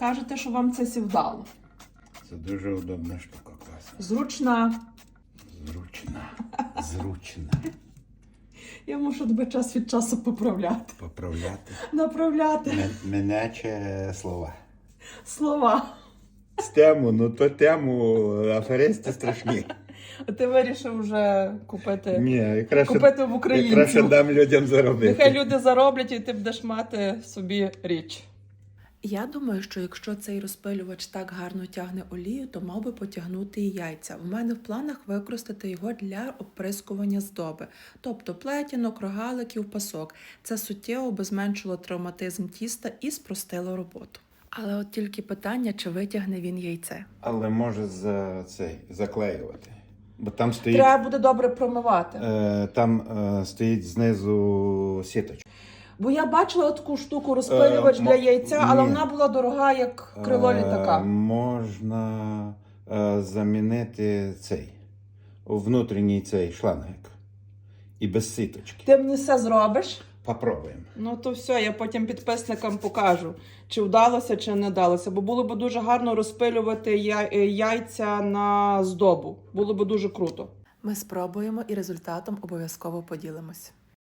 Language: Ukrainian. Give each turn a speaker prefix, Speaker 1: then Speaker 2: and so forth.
Speaker 1: Кажете, що вам це вдало.
Speaker 2: Це дуже удобна штука, класна.
Speaker 1: Зручна.
Speaker 2: Зручна.
Speaker 1: Я мушу тебе час від часу поправляти.
Speaker 2: Поправляти.
Speaker 1: Направляти
Speaker 2: Меняче слова.
Speaker 1: слова.
Speaker 2: З тему, ну то тему аферисти страшні.
Speaker 1: А ти вирішив вже купити,
Speaker 2: Ні, я краще,
Speaker 1: купити в
Speaker 2: я
Speaker 1: українців.
Speaker 2: краще дам людям заробити.
Speaker 1: Нехай люди зароблять і ти будеш мати собі річ.
Speaker 3: Я думаю, що якщо цей розпилювач так гарно тягне олію, то мав би потягнути і яйця. У мене в планах використати його для оприскування здоби, тобто плетінок, рогаликів, пасок. Це суттєво би зменшило травматизм тіста і спростило роботу. Але от тільки питання, чи витягне він яйце.
Speaker 2: Але може заклеювати. Бо там стоїть,
Speaker 1: Треба буде добре промивати.
Speaker 2: стоїть знизу сіточка.
Speaker 1: Бо я бачила таку штуку розпилювач для яйця, але
Speaker 2: ні.
Speaker 1: вона була дорога, як крило літака.
Speaker 2: Можна замінити внутрішній цей шлангик. І без сіточки.
Speaker 1: Ти мені все зробиш?
Speaker 2: Попробуємо.
Speaker 1: Ну то все, я потім підписникам покажу, чи вдалося, чи не вдалося. Бо було б дуже гарно розпилювати яйця на здобу. Було б дуже круто.
Speaker 3: Ми спробуємо і результатом обов'язково поділимось.